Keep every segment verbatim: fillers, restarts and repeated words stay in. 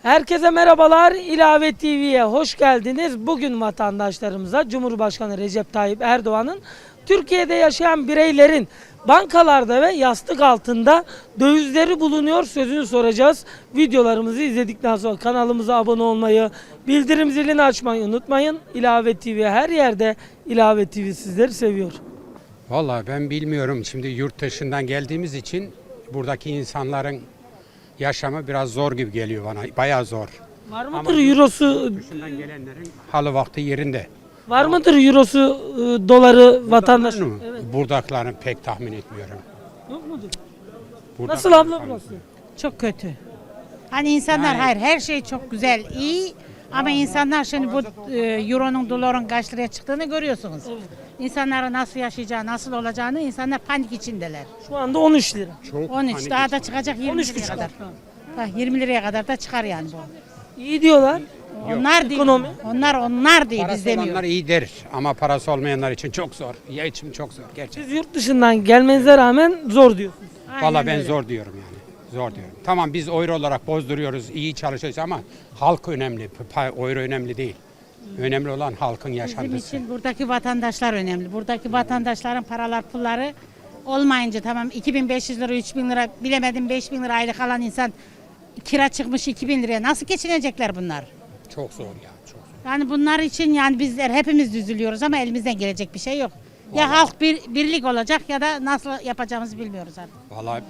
Herkese merhabalar. İlave T V'ye hoş geldiniz. Bugün vatandaşlarımıza Cumhurbaşkanı Recep Tayyip Erdoğan'ın Türkiye'de yaşayan bireylerin bankalarda ve yastık altında dövizleri bulunuyor sözünü soracağız. Videolarımızı izledikten sonra kanalımıza abone olmayı, bildirim zilini açmayı unutmayın. İlave T V her yerde. İlave T V sizleri seviyor. Vallahi ben bilmiyorum. Şimdi yurt dışından geldiğimiz için buradaki insanların yaşamı biraz zor gibi geliyor bana. Bayağı zor. Var mıdır eurosu? Dışından gelenlerin halı vakti yerinde. Var mıdır eurosu, e, doları vatandaş? Mı? Evet. Buradakilerini pek tahmin etmiyorum. Yok mudur? Burada Nasıl abla burası? Çok kötü. Hani insanlar Yani- hayır her şey çok güzel, iyi ama insanlar şimdi bu e, euronun doların kaç liraya çıktığını görüyorsunuz. İnsanların nasıl yaşayacağı, nasıl olacağını insanlar panik içindeler. Şu anda on üç lira. Çok on üç panik daha da içinde. çıkacak on yirmi üç liraya buçuk. kadar. Ha, yirmi liraya kadar da çıkar yani bu. İyi diyorlar. Onlar değil. Ekonomi. Onlar onlar değil biz Parası demiyoruz. olanlar iyidir ama parası olmayanlar için çok zor. Ya için çok zor gerçekten. Siz yurt dışından gelmenize rağmen zor diyorsunuz. Aynen Vallahi ben öyle. zor diyorum yani. Zor diyorum. Tamam biz euro olarak bozduruyoruz, iyi çalışıyoruz ama halk önemli. Pa- Euro önemli değil. Önemli olan halkın Bizim yaşantısı. için buradaki vatandaşlar önemli. Buradaki vatandaşların paralar pulları olmayınca tamam iki bin beş yüz lira üç bin lira bilemedim beş bin lira aylık alan insan kira çıkmış iki bin liraya nasıl geçinecekler bunlar? Çok zor ya, çok zor. Yani bunlar için yani bizler hepimiz üzülüyoruz ama elimizden gelecek bir şey yok. Ya halk bir birlik olacak ya da nasıl yapacağımızı bilmiyoruz artık. Vallahi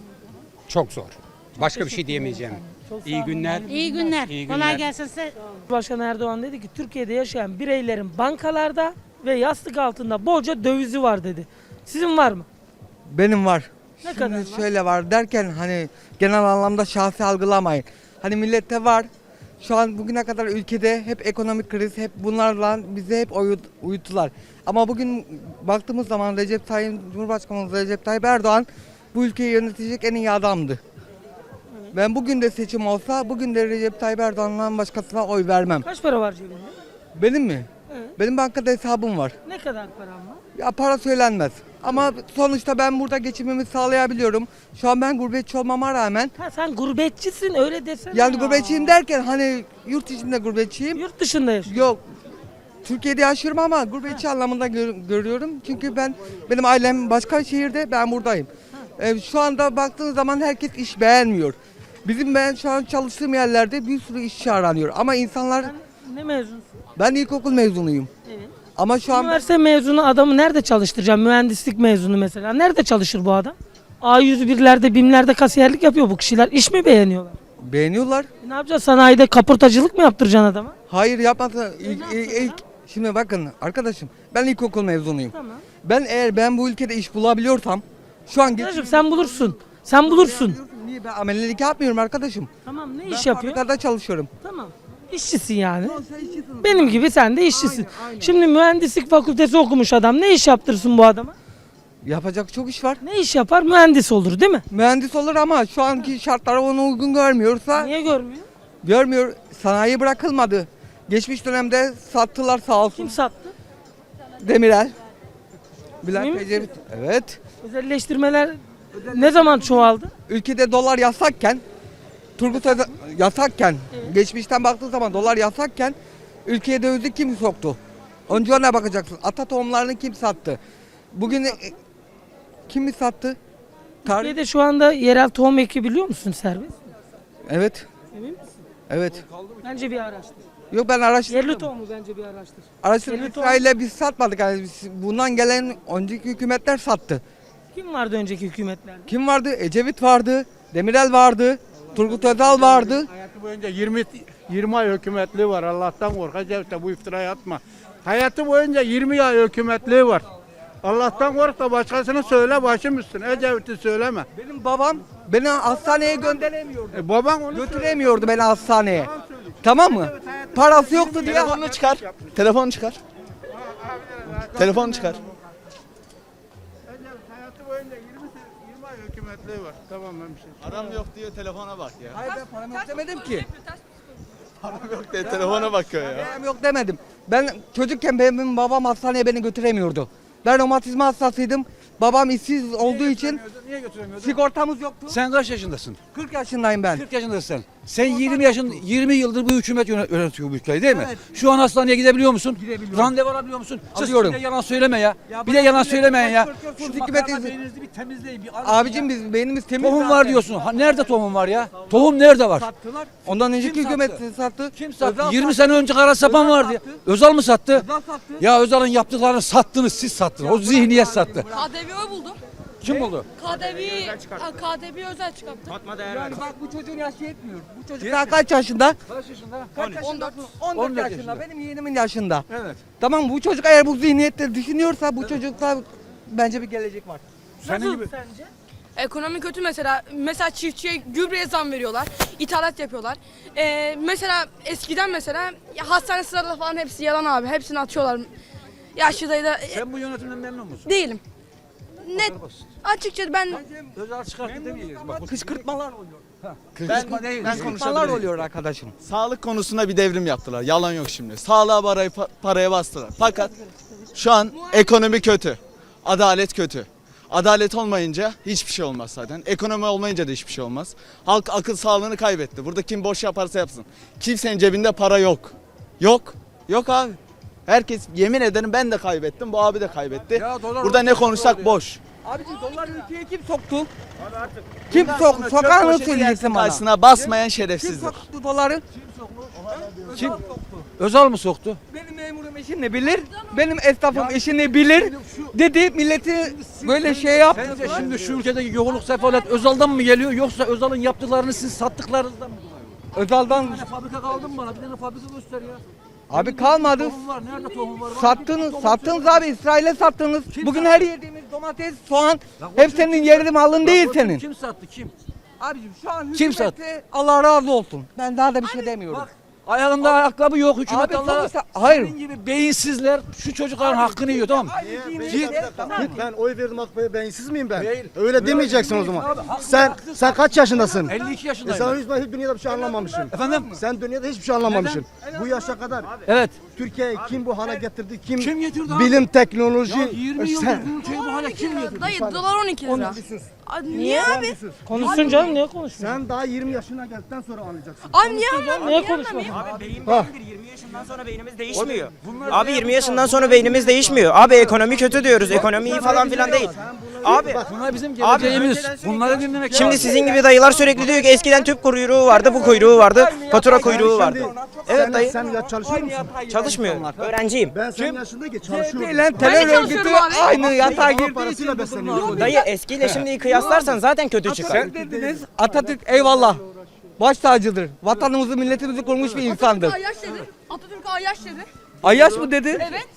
çok zor. Başka bir şey diyemeyeceğim. İyi günler. İyi günler. İyi Kolay günler. gelsin size. Başkan Erdoğan dedi ki Türkiye'de yaşayan bireylerin bankalarda ve yastık altında bolca dövizi var dedi. Sizin var mı? Benim var. Ne Şimdi kadar var? şöyle var derken hani genel anlamda şahsi algılamayın. Hani millette var. Şu an bugüne kadar ülkede hep ekonomik kriz, hep bunlarla bizi hep uyut, uyuttular. Ama bugün baktığımız zaman Recep Tayyip Cumhurbaşkanımız Recep Tayyip Erdoğan bu ülkeyi yönetecek en iyi adamdı. Ben bugün de seçim olsa bugün de Recep Tayyip Erdoğan'dan başkasına oy vermem. Kaç para var cebinde? Benim mi? Evet. Benim bankada hesabım var. Ne kadar param var? Ya para söylenmez. Ama sonuçta ben burada geçimimi sağlayabiliyorum. Şu an ben gurbetçi olmama rağmen Ha sen gurbetçisin öyle desene. yani ya. gurbetçiyim derken hani yurt içinde gurbetçiyim. Yurt dışında yaşıyorsun. Yok. Türkiye'de yaşıyorum ama gurbetçi anlamında gör- görüyorum. Çünkü ben benim ailem başka şehirde, ben buradayım. Ee, şu anda baktığınız zaman herkes iş beğenmiyor. Bizim ben şu an çalıştığım yerlerde bir sürü işçi aranıyor. Ama insanlar, Sen ne mezunsun? ben ilkokul mezunuyum. Evet. Ama şu an Üniversite mezunu adamı nerede çalıştıracağım? Mühendislik mezunu mesela. Nerede çalışır bu adam? A yüz birlerde, BİM'lerde kasiyerlik yapıyor bu kişiler. İş mi beğeniyorlar? beğeniyorlar. E ne yapacağız? Sanayide kaportacılık mı yaptıracaksın adama? Hayır yapmadı. İlk, ilk, ilk- şimdi bakın arkadaşım, ben ilkokul mezunuyum. Tamam. Ben eğer ben bu ülkede iş bulabiliyorsam şu an Arkadaşım sen bulursun. Sen bulursun. Niye ben amelelik yapmıyorum arkadaşım? Tamam ne Ben iş yapıyor? fabrikada çalışıyorum. Tamam. İşçisin yani. Benim gibi sen de işçisin. Şimdi mühendislik fakültesi okumuş adam ne iş yaptırsın bu adama? Yapacak çok iş var. Ne iş yapar? Mühendis olur değil mi? Mühendis olur ama şu anki şartlar onu uygun görmüyorsa Niye görmüyor? görmüyor. Sanayi bırakılmadı. Geçmiş dönemde sattılar sağ olsun. Kim sattı? Demirel. Bülent Emin misin? Ecevit. Evet. Özelleştirmeler ne zaman çoğaldı? Ülkede dolar yasakken, Turgut Özal yasakken, geçmişten baktığın zaman dolar yasakken ülkeye dövizi kim soktu? Önce ona bakacaksın. Ata tohumlarını kim sattı? Bugün e, kim mi sattı? Tarih. Türkiye'de şu anda yerel tohum ekebiliyor musun serbest? Evet. Emin misin? Evet. Bence bir araştır. Yok ben araştırdım. Yerli tohumu bence bir araştır. Araştırdım. Yerli tohum- İsrail'e biz satmadık. Yani biz- bundan gelen önceki hükümetler sattı. Kim vardı önceki hükümetlerde? Kim vardı? Ecevit vardı. Demirel vardı. Turgut Özal vardı. Hayatı boyunca yirmi yirmi ay hükümetliği var. Allah'tan kork. Ecevit de bu iftirayı atma. Hayatı boyunca yirmi ay hükümetliği var. Allah'tan kork da başkasını söyle başım üstüne. Ecevit'i söyleme. Benim babam beni hastaneye gönderemiyordu. E, baban onu Götüremiyordu beni hastaneye. Tamam mı? Parası yoktu diye. Telefonunu çıkar. Telefonu çıkar. Telefonu çıkar. Ecevit hayatı boyunca yirmi, se- yirmi ay hükümetliği var. Tamam ben bir şey. Param yok diyor telefona bak ya. Hayır ben param yok demedim ki. Param yok diye telefona bakıyor ya. Param yok demedim. Ben çocukken benim babam hastaneye beni götüremiyordu. Ben romatizma hastasıydım. Babam işsiz olduğu için Niye götüremiyorsun? sigortamız yoktu. Sen kaç yaşındasın? kırk yaşındayım ben. kırk yaşındasın sen. Sen yirmi yaşın yirmi yıldır bu hükümet yönet- yönetiyor bu ülkeyi değil mi? Şu an hastaneye gidebiliyor musun? Randevu alabiliyor musun? Siz Alıyorum. bir de yalan söyleme ya. bir de yalan söylemeyin ya. Şu Şu hükümet makarna izin- beyninizi bir temizleyin. Bir arayın Abicim ya. biz beynimiz temiz. Tohum zaten. var diyorsun. Ha, nerede tohum var ya? Tohum nerede var? Sattılar. Ondan önceki Kim hükümet sattı? sattı. Kim sattı? Özal yirmi sattı. sene önce kara sapan Özal vardı. ya. sattı. Özal mı sattı? Özal sattı. Ya Özal'ın yaptıklarını sattınız, siz sattınız. O zihniyet sattı. K D V buldum. Kim buldu? K D V, K D V özel çıkarttı. Yani bak bu çocuğun yaşı yetmiyor. Bu çocuk daha kaç yaşında? Kaç yaşında? Kaç yaşında? on dört. on dört on dört yaşında. yaşında. Benim yeğenimin yaşında. Evet. Tamam bu çocuk eğer bu zihniyette düşünüyorsa bu çocukta bence bir gelecek var. Senin gibi. Sence? Ekonomi kötü mesela. Mesela çiftçiye gübreye zam veriyorlar. İthalat yapıyorlar. Ee, mesela eskiden mesela ya hastane sıraları falan hepsi yalan abi. Hepsini atıyorlar. Yaşlı dayı da Sen bu yönetimden memnun musun? değilim. Net. Açıkçası ben Özal çıkarttı demeyiz. Bak bu Kışkırtmalar oluyor. kışkırtma değil. ben Kışkırtmalar konuşabilirim. oluyor arkadaşım. Sağlık konusunda bir devrim yaptılar. Yalan yok şimdi. Sağlığa parayı, paraya bastılar. Fakat şu an ekonomi kötü. Adalet kötü. Adalet olmayınca hiçbir şey olmaz zaten. Ekonomi olmayınca da hiçbir şey olmaz. Halk akıl sağlığını kaybetti. Burada kim boş yaparsa yapsın. Kimsenin cebinde para yok. Yok. Yok abi. Herkes yemin ederim ben de kaybettim. Bu abi de kaybetti. Ya dolar Burada ne olmuş, konuşsak oldu ya. boş. Abicim dolar ülkeye kim soktu? Kim soktu? Sokar mı söyleyeceksin bana? Karşısına basmayan Kim şerefsizdir. soktu doları? Kim? Özal mı soktu? Benim memurum işini bilir, benim esnafım işini bilir dedi milleti böyle şey yaptı. Sence şimdi şu ülkedeki yoğunluk sefalet Özal'dan mı geliyor yoksa Özal'ın yaptıklarını siz sattıklarınızdan mı dolayı? Özal'dan Bir tane fabrika kaldı mı bana? Bir tane fabrika göster ya. abi kalmadı. Tohum var. Nerede tohum var? Bana Sattınız, tohum sattınız söyle. abi İsrail'e sattınız. Kim Bugün sattı? her yediğimiz domates, soğan Lan hep o senin yerli malın değil Bak, senin. Kim sattı kim? Abicim şu an Kim hükümete Allah razı olsun. Ben daha da bir şey demiyorum. Bak ayağında ayakkabı yok hükümet Abi Allah'a. sonuçta- hayır. Senin gibi beyinsizler şu çocukların hakkını yiyor tamam mı? Git. Ben oy verdim AK Parti'ye, beyinsiz miyim ben? Değil. Öyle demeyeceksin o zaman. Sen sen kaç yaşındasın? elli iki E yaşındayım. sen ben. hiç, hiç dünyada bir şey anlamamışsın. Efendim? Sen dünyada hiçbir şey anlamamışsın. Bu yaşa kadar Evet. Türkiye'yi kim bu hale getirdi? Kim, Kim getirdi abi? bilim, teknoloji. Ya yirmi yıldır sen, bu ülkeyi bu hale kim getirdi? dayı dolar on iki lira. Abi niye abi? Konuşsun canım, niye konuşsun? sen daha yirmi yaşına geldikten sonra anlayacaksın. Abi niye anlamıyorsun? Niye konuşmasın? Beyin beyindir. yirmi yaşından sonra beynimiz değişmiyor. Abi yirmi yaşından sonra beynimiz değişmiyor. Abi ekonomi kötü diyoruz. Ekonomi iyi falan filan değil. Abi Bunlar bizim Abi, geleceğimiz. Bunları dinlemek şimdi lazım. sizin gibi dayılar sürekli diyor ki eskiden tüp kuyruğu vardı, bu kuyruğu vardı, fatura kuyruğu vardı. Evet sen, dayı. Sen ya çalışıyor musun? Çalışmıyor. Öğrenciyim. Ben senin yaşındaki çalışıyorum. Ile Ben de terör örgütü çalışıyorum abi. aynı yatağa girdiği için parasıyla besleniyor. Dayı eskiyle şimdiyi kıyaslarsan zaten kötü çıkar. Atatürk dediniz. Atatürk eyvallah. Baş tacıdır. Vatanımızı, milletimizi kurmuş bir insandır. Ayyaş dedi. Atatürk Ayyaş dedi. Ayyaş mı dedi? Evet.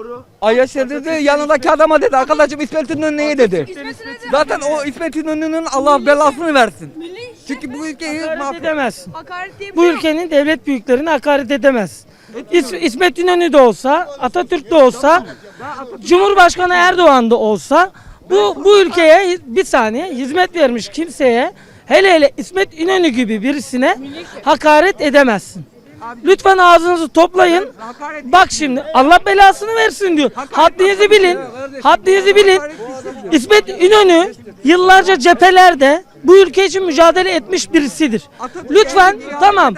Ayyaş dedi, yanındaki adama dedi. Arkadaşım İsmet İnönü'ye dedi. İsmet İnönü. Zaten o İsmet İnönü'nün Allah belasını versin. Milli Çünkü bu ülkeyi Hakaret mahvet. edemezsin. hakaret diye bir Bu şey yok. ülkenin devlet büyüklerine hakaret edemez. İs- İsmet İnönü de olsa, Atatürk de olsa, Cumhurbaşkanı Erdoğan da olsa bu bu ülkeye bir saniye hizmet vermiş kimseye, hele hele İsmet İnönü gibi birisine hakaret edemezsin. Lütfen ağzınızı toplayın. Bak şimdi Allah belasını versin diyor. Haddinizi bilin. Haddinizi bilin. İsmet İnönü yıllarca cephelerde bu ülke için mücadele etmiş birisidir. Lütfen tamam.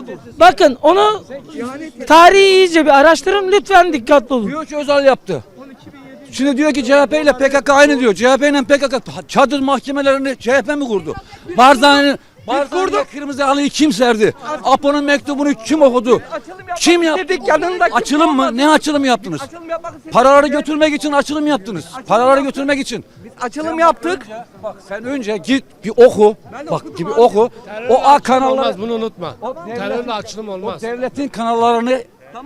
Bakın onu tarihi iyice bir araştırın. Lütfen dikkatli olun. Diyor ki Özal yaptı. Şimdi diyor ki C H P ile P K K aynı diyor. C H P ile P K K çadır mahkemelerini C H P mi kurdu? Barzani'nin Barzani'ye kırmızı halıyı kim serdi? Apo'nun mektubunu kim okudu? Kim yaptı? Dedik yanındaki- Açılım mı? Ne açılım yaptınız? Açılım yapmak istedik. Paraları götürmek için açılım yaptınız. Paraları götürmek için. Açılım yaptık. Bak sen önce git bir oku. Bak gibi oku. O A kanalları. Bunu unutma. O devletin- Terörle açılım O olmaz. devletin kanallarını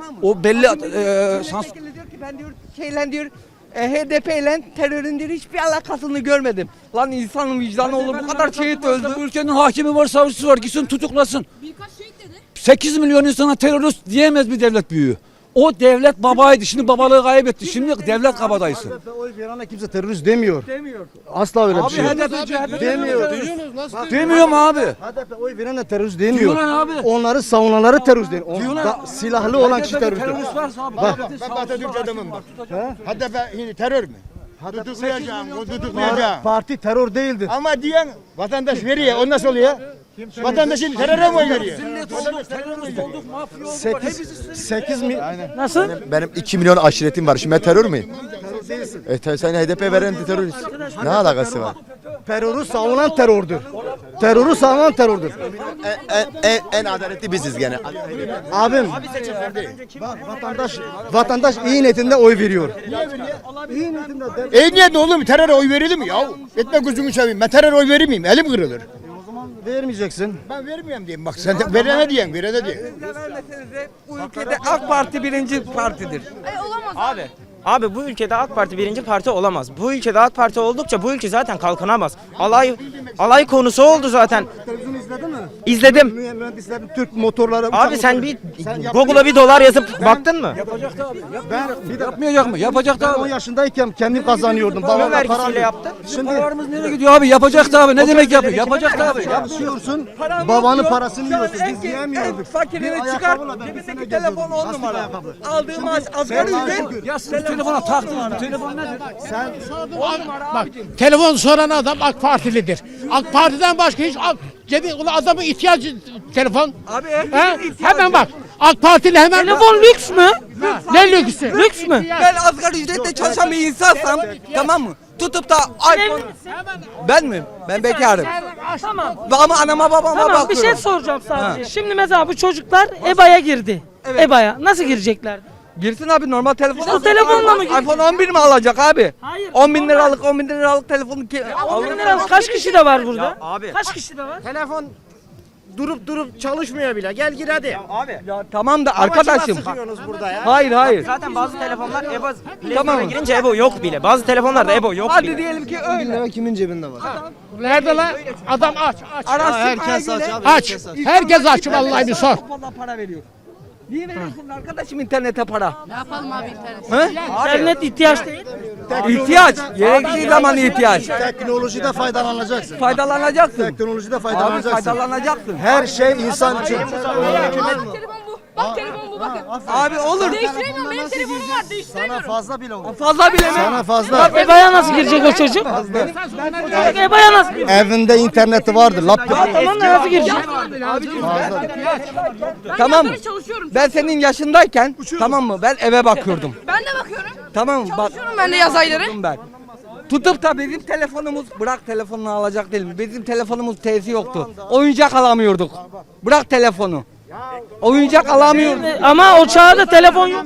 o belli e, sans Milletvekili diyor ki ben diyor şeyle diyor e, H D P ile terörün diyor hiçbir alakasını görmedim. Lan insanın vicdanı olur bu kadar şehit öldü. Bu ülkenin hakimi var, savcısı var. Gitsin tutuklasın. Birkaç şehit dedi. sekiz milyon insana terörist diyemez bir devlet büyüğü. O devlet babaydı. Şimdi babalığı kaybetti. Şimdi devlet kabadayısı. H D P oy verene kimse terörist demiyor. Demiyor. Asla öyle bir Abi şey yok. H D P C H P Demiyor. Duyuyorsunuz nasıl? Demiyor mu abi? H D P oy verene terörist demiyor. Diyorlar abi. Onları savunanları terörist değil. On- Diyorlar. da- silahlı olan kişi terörist. Terörist varsa abi. Bak. devletin Ben savcısı Atatürk var, adamım hakimi bak. var, tutacak. Hatta ben terör mü? Tutuklayacağım, o tutuklayacağım. Parti terör değildir. Ama diyen vatandaş veriyor, o nasıl oluyor? Vatandaşın teröre mi oy veriyor? sekiz mi? Nasıl? Benim iki milyon aşiretim var. Şimdi ben terör müyüm? E, te- sen H D P veren de terörist. Ne alakası var? Terörü savunan terördür. Terörü savunan terördür. En, en, en, en adaletli biziz gene. Abim, bak, vatandaş vatandaş iyi niyetinde oy veriyor. İyi niyetinde. E niye oğlum teröre oy verilir mi ya? Etme gözümü seveyim. Ben teröre oy verir miyim? Elim kırılır. Vermeyeceksin. Ben vermiyorum diyeyim. Bak sen de verene diyen, verene diyen. Bu ülkede AK Parti birinci partidir. Abi, abi bu ülkede AK Parti birinci parti olamaz. Bu ülkede AK Parti oldukça bu ülke zaten kalkınamaz. Alay alay konusu oldu zaten. Televizyonu izledin mi? İzledim. Mühendislerin Türk motorları. Abi sen bir Google'a bir dolar yazıp baktın mı? Yapacaktı abi. ben bir de Yapmayacak mı? Yapacaktı ben on abi. yaşındayken kendim kazanıyordum. Kimin Babamla vergisiyle para yaptın? Şimdi Paralarımız nereye gidiyor abi? Yapacaktı abi. Ne demek yapıyor? Yapacaktı abi. çalışıyorsun. Babanın parasını yiyorsun. Biz yiyemiyorduk. Fakirini Bir çıkar, ayakkabıyla ben bir sene cebindeki telefon geziyordum. on Lastik numara. ayakkabı. Aldığı maaş asgari ücret. Ya siz bu telefona taktınız. Bu telefon nedir? Bak telefon soran adam AK Partilidir. AK Parti'den başka hiç AK, cebi ulan adamın ihtiyacı telefon. Abi He? Hemen bak. AK Partili hemen Telefon lüks mü? ne lüksü? Lüks mü? Ben asgari ücretle çalışan bir insansam, tamam mı? Tutup da iPhone... Ben mi? Ben bekarım. Tamam. Ama anama babama Tamam bir bakıyorum. şey soracağım sadece. Şimdi mesela bu çocuklar E B A'ya girdi. E B A'ya nasıl girecekler? Girsin abi normal telefon. İşte o telefonla mı girecek? iPhone on bir mi alacak abi? Hayır. on bin liralık on bin liralık telefonu ki... on bin lira kaç kişi de var burada? Ya abi. Kaç kişi de var? Telefon durup durup çalışmıyor bile. Gel gir hadi. Abi. Ya tamam da arkadaşım. Sıkıyorsunuz burada ya. Hayır hayır. Zaten bazı telefonlar E B A Tamam. tamam. girince E B A yok bile. Bazı telefonlarda E B A yok Hadi bile. diyelim ki öyle. Kimin cebinde var? Nerede lan? Adam aç aç. Araştırmaya Herkes aç göre... abi. Aç. Herkes aç vallahi bir sor. Çok fazla para veriyor. Niye veriyorsun arkadaşım internete para? Ne yapalım abi internet? İnternet ihtiyaç değil. İhtiyaç. Gerektiği zaman ihtiyaç. Teknolojide faydalanacaksın. Faydalanacaksın. Teknolojide Abi faydalanacaksın. faydalanacaksın. Her şey insan için. Bak telefon bu. Bak telefon bu bakın. Abi olur. Değiştiremiyorum benim telefonum var Sana değiştiremiyorum. fazla bile olur. Fazla bile mi? Sana fazla. Bak E B A'ya nasıl girecek o çocuk? Çocuk E B A'ya nasıl girecek? Evinde interneti vardır. Laptop. Tamam da nasıl girecek? Tamam mı? Ben çalışıyorum. Ben senin yaşındayken tamam mı? Ben eve bakıyordum. Ben de bakıyorum. Tamam mı? Bak. Çalışıyorum ben de yaz ayları. Ben. Tutup da bizim telefonumuz bırak telefonunu alacak değil mi? Bizim telefonumuz T'si yoktu. Oyuncak alamıyorduk. Bırak telefonu. Oyuncak alamıyorduk. Ama o çağda telefon yok.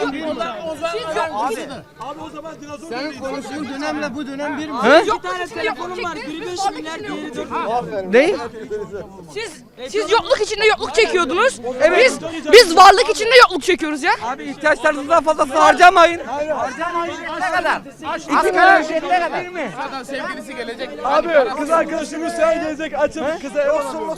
Senin konuştuğun dönemle bu dönem bir mi? He? Yok tane telefonum var. Biri beş milyar, diğeri dört. Ne? Siz siz yokluk içinde yokluk çekiyordunuz. Biz biz varlık içinde yokluk çekiyoruz ya. Abi ihtiyaçlarınızdan fazlasını harcamayın. Harcamayın. Ne kadar? Asgari ücret ne kadar? Abi kız arkadaşımız sen gelecek açıp kıza